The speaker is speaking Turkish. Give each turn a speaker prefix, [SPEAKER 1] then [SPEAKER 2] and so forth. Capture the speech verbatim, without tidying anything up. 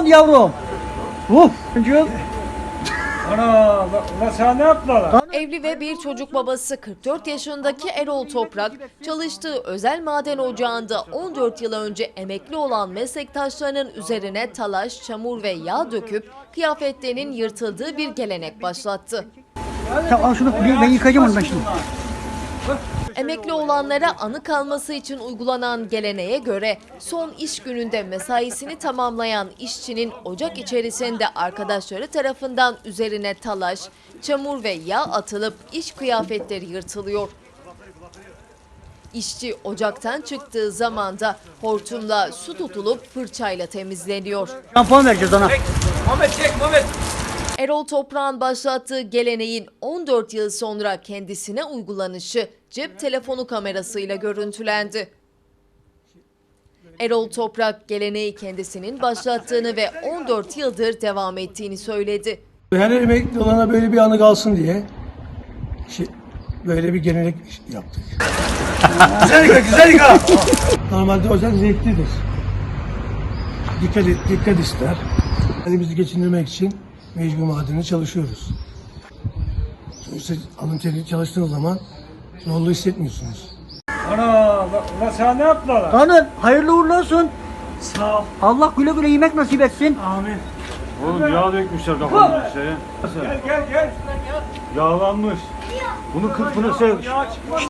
[SPEAKER 1] oldu yavrum? Uf. Çocuğum.
[SPEAKER 2] Ana, ulan sana ne yaptılar?
[SPEAKER 3] Evli ve bir çocuk babası kırk dört yaşındaki Erol Toprak, çalıştığı özel maden ocağında on dört yıl önce emekli olan meslektaşlarının üzerine talaş, çamur ve yağ döküp kıyafetlerinin yırtıldığı bir gelenek başlattı.
[SPEAKER 1] Tamam al şunu ben ben yıkayacağım onu ben şimdi.
[SPEAKER 3] Emekli olanlara anı kalması için uygulanan geleneğe göre son iş gününde mesaisini tamamlayan işçinin ocak içerisinde arkadaşları tarafından üzerine talaş, çamur ve yağ atılıp iş kıyafetleri yırtılıyor. İşçi ocaktan çıktığı zaman da hortumla su tutulup fırçayla temizleniyor.
[SPEAKER 1] Şampuan vereceğiz ona.
[SPEAKER 2] Muhammed çek, Muhammed.
[SPEAKER 3] Erol Toprak'ın başlattığı geleneğin on dört yıl sonra kendisine uygulanışı cep telefonu kamerasıyla görüntülendi. Erol Toprak geleneği kendisinin başlattığını ve on dört yıldır devam ettiğini söyledi.
[SPEAKER 4] Her emekli olana böyle bir anı kalsın diye şey, böyle bir gelenek yaptık.
[SPEAKER 2] Güzel yıka, güzel yıka.
[SPEAKER 4] Normalde ocak zevklidir. Dikkat, dikkat ister. Kendimizi geçindirmek için mecbur madeni çalışıyoruz. Sonuçta alın teri çalıştığınız zaman zorluğu hissetmiyorsunuz.
[SPEAKER 2] Ana, ulan sana ne yaptılar?
[SPEAKER 1] Hanım hayırlı uğurlu olsun.
[SPEAKER 2] Sağ ol.
[SPEAKER 1] Allah güle güle yemek nasip etsin.
[SPEAKER 2] Amin.
[SPEAKER 5] Oğlum yağ dökmüşler kafanın şeye.
[SPEAKER 2] Gel, gel, gel.
[SPEAKER 5] Yağlanmış. Bunu kırk bunu sev.
[SPEAKER 2] Yağ çıkmaz.